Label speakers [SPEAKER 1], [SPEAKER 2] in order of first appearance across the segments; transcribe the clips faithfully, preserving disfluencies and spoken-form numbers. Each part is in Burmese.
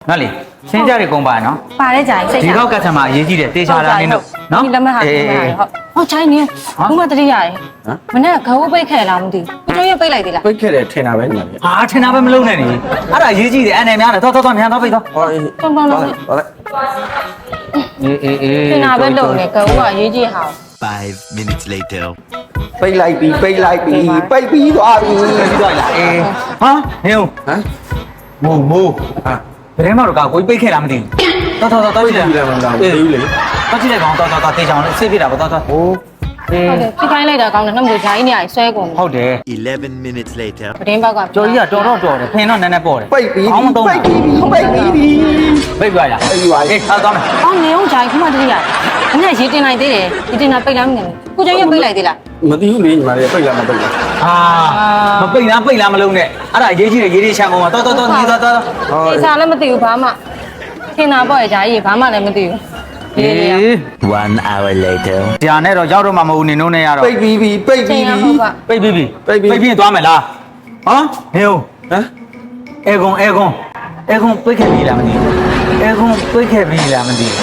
[SPEAKER 1] နော်လေရှင်းကြတယ်ကုန်ပါနော်
[SPEAKER 2] ပါတယ်ကြာစိတ်
[SPEAKER 1] ဒီတော့ကတ်စတမာအရေးကြီးတယ်တေချာလာနေတော့နော်
[SPEAKER 2] ဒီလက်မှတ်ဟာဒီမှာဟုတ်ဟောချိုင်းနေဘူးမတတိရတယ်မနေ့ကဂိုးပိတ်ခဲ့လားမသိဘူးကိုကျော်ရပိတ်လိုက်သေးလား
[SPEAKER 3] ပိတ်ခဲ့တယ်ထင်တာပဲညီမလေး
[SPEAKER 1] ဟာထင်တာပဲမလုံးနဲ့နေအဲ့ဒါအရေးကြီးတယ်အနေများတယ်တော့တော့တော့မြန်တော့ပိတ်တော့
[SPEAKER 3] ဟောအေး
[SPEAKER 2] ကောင်းကောင်းလုံး
[SPEAKER 3] ဟောလိုက်
[SPEAKER 1] အေးအေးအေး
[SPEAKER 2] ထင်တာပဲလုံနေဂိုးကအရေးကြီးဟာ
[SPEAKER 4] Five minutes later.
[SPEAKER 3] ပိတ်လိုက်ပြီပိတ်လိုက်ပြီပိတ်ပြီးသွားပြီ
[SPEAKER 1] ပြီးတော့လာအေးဟာဟင်း
[SPEAKER 3] ဟမ်
[SPEAKER 1] မိုးမိုး
[SPEAKER 3] ဟာ
[SPEAKER 1] ဘယ်ထဲမှာတော့ကကိုပိတ်ခဲ့လားမသိဘူးတော့တော့တော့
[SPEAKER 3] ပိ
[SPEAKER 1] တော့
[SPEAKER 3] တ်
[SPEAKER 1] ကြည့်
[SPEAKER 3] ပြီ
[SPEAKER 1] လိုက်
[SPEAKER 3] လားမလားမသိဘူးလေ
[SPEAKER 1] တော့ကြည့်လိုက်ကောင်တော့တော့တော့တေချာအောင်ဆေးပြတာပေါ့တော့တော့
[SPEAKER 3] ဟိုး
[SPEAKER 2] ဟုတ်တယ်ဖိခိုင်းလိုက်တာကောင်းတယ်နှမတို့ဂျာကြီးနေရဆွဲကုန်တယ်
[SPEAKER 1] ဟုတ်တယ်
[SPEAKER 4] Eleven minutes later.
[SPEAKER 2] ပတင်းဘက်က
[SPEAKER 1] ကျော်ကြီးကတော်တော့တော်တယ်ဖင်တော့နည်းနည်းပေါ့တယ်
[SPEAKER 3] ပိတ်ပြီး
[SPEAKER 1] အောင်းမတော့
[SPEAKER 3] ပိတ်ပြီးပိတ်ပြီးပြီ
[SPEAKER 1] ပိတ်ပြရ
[SPEAKER 3] ပိတ်ပြီးပါ
[SPEAKER 1] အေးထားသွားမယ်
[SPEAKER 2] အော်နေအောင်ဂျာကြီးခမတတိရတယ်မနေ့ရေးတင်လိုက်သေးတယ်ရေးတင်တာပိတ်လားမသိဘူးကိုကျော်ရပိတ်လိုက်သေးလား
[SPEAKER 3] မသိဘူးလေညီမလေးပိတ်လားမပိတ်လား
[SPEAKER 1] အာမပိတ်လားပိတ်လားမလုံးနဲ့အဲ့ဒါအရေးကြီးတယ်ရေးရေးချမ်းကုန်ပါတော်တော်တော်ညီတော်တော်
[SPEAKER 3] ဟော
[SPEAKER 2] တေချာလည်းမသိဘူးဘာမှထင်တာပေါ့ဂျာကြီးဘာမှလည်းမသိဘူးရေးရ
[SPEAKER 4] One hour later.
[SPEAKER 1] ကြာနဲ့တော့ရောက်တော့မှမဟုတ်နေနှုံးနဲ့ရတော့
[SPEAKER 3] ပိတ်ပြီးပြီပိတ်
[SPEAKER 2] ချ
[SPEAKER 3] ပြီး
[SPEAKER 2] င်ရ
[SPEAKER 3] ပြီ
[SPEAKER 2] ဟုတ်ပါ
[SPEAKER 1] ပိတ်ပြီးပြီ
[SPEAKER 3] ပိတ်ပြီး
[SPEAKER 1] ပိတ်ပြီးသွားမယ်လားဟမ်ဟေး
[SPEAKER 3] ဟမ်
[SPEAKER 1] အဲကွန်အဲကွန်အဲကွန်ပိတ်ခဲ့ပြီလားမသိဘူးအဲကွန်ပိတ်ခဲ့ပြီလားမသိဘူး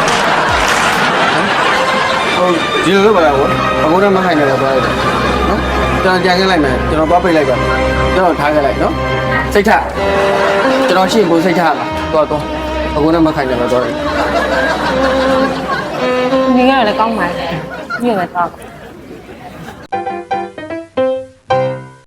[SPEAKER 3] ဟိုဒီလိုလုပ်ပါလားဟိုအခုတော့မခိုင်နေတော့သွားလိုက်နော်ကျွန်တော်ကြံခဲ့လိုက်မယ်ကျွန်တော်သွားပိတ်လိုက်ပါကျွန်တော်ထားခဲ့လိုက်နော်စိတ်ထကျွန်တော်ရှင်းကိုစိတ်ထလာတော့တော့အခုတော့မခိုင်နေတော့သွားလိုက်
[SPEAKER 2] နေရလည်းကောင်းပါလေညနေတော့